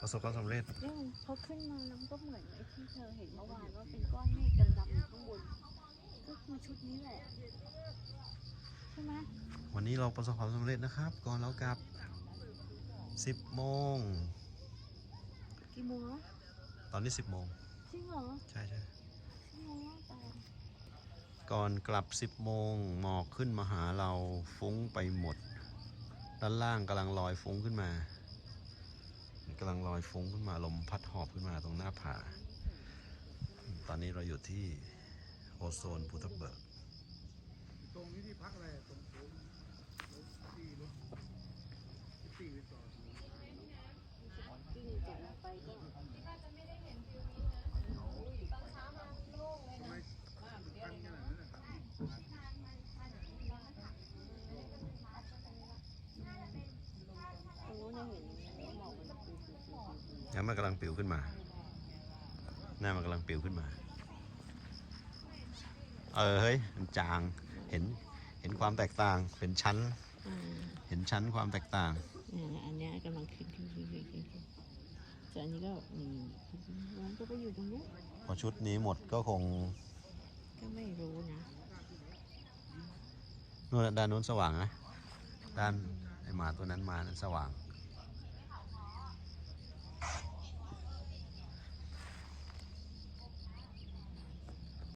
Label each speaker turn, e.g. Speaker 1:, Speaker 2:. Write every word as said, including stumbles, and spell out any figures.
Speaker 1: ประสบความสำเร็จ
Speaker 2: เนี่ยพอขึ้นมาแล้วมันก็เหมือนไอ้ที่เธอเห็นเมื่อวานว่าเป็นก้อนเมฆดำๆอยู่ข้างบนก็คือชุดนี้แหละใช่ไหม
Speaker 1: วันนี้เราประสบความสำเร็จนะครับ ก่อนเรากลับสิบโมง
Speaker 2: กี่โมงแล้ว
Speaker 1: ตอนนี้สิบโมง
Speaker 2: จริงเหรอ
Speaker 1: ใช่ใช่
Speaker 2: ชั่วโมงแล้วแต่
Speaker 1: ก่อนกลับสิบโมงหมอกขึ้นมาหาเราฟุ้งไปหมดด้านล่างกำลังลอยฟุ้งขึ้นมากำลังลอยฟุ้งขึ้นมาลมพัดหอบขึ้นมาตรงหน้าผาตอนนี้เราอยู่ที่โอโซนภูทับเบิก
Speaker 3: ตรงนี้ที่พักอะไรตรงโค้งที่รถที่รีสอร์ท
Speaker 2: กิ้งตกลงไปก็
Speaker 3: ทำไมตั้งขนาดนั้นนะครับ
Speaker 2: ตรงนู้นจะเห็นหมอกมันปิวปิวปิวปิว
Speaker 1: น้ำมันกำลังปิวขึ้นมาหน้ามันกำลังปิวขึ้นมาเออเฮ้ยมันจางเห็นเห็นความแตกต่างเป็นชั้นเห็นชั้นความแตกต่าง
Speaker 2: เนี่ยอันเนี้ยกำลังขึ้นขึ้นขึ้นขึ้นขึ้นแต่อันนี้ก็นี่มันก็ไปอยู่ตรงนี้
Speaker 1: พอชุดนี้หมดก็คง
Speaker 2: ก็ไม่รู้นะ
Speaker 1: นู่นด้านนู้นสว่างนะด้านไอหมาตัวนั้นมานั้นสว่าง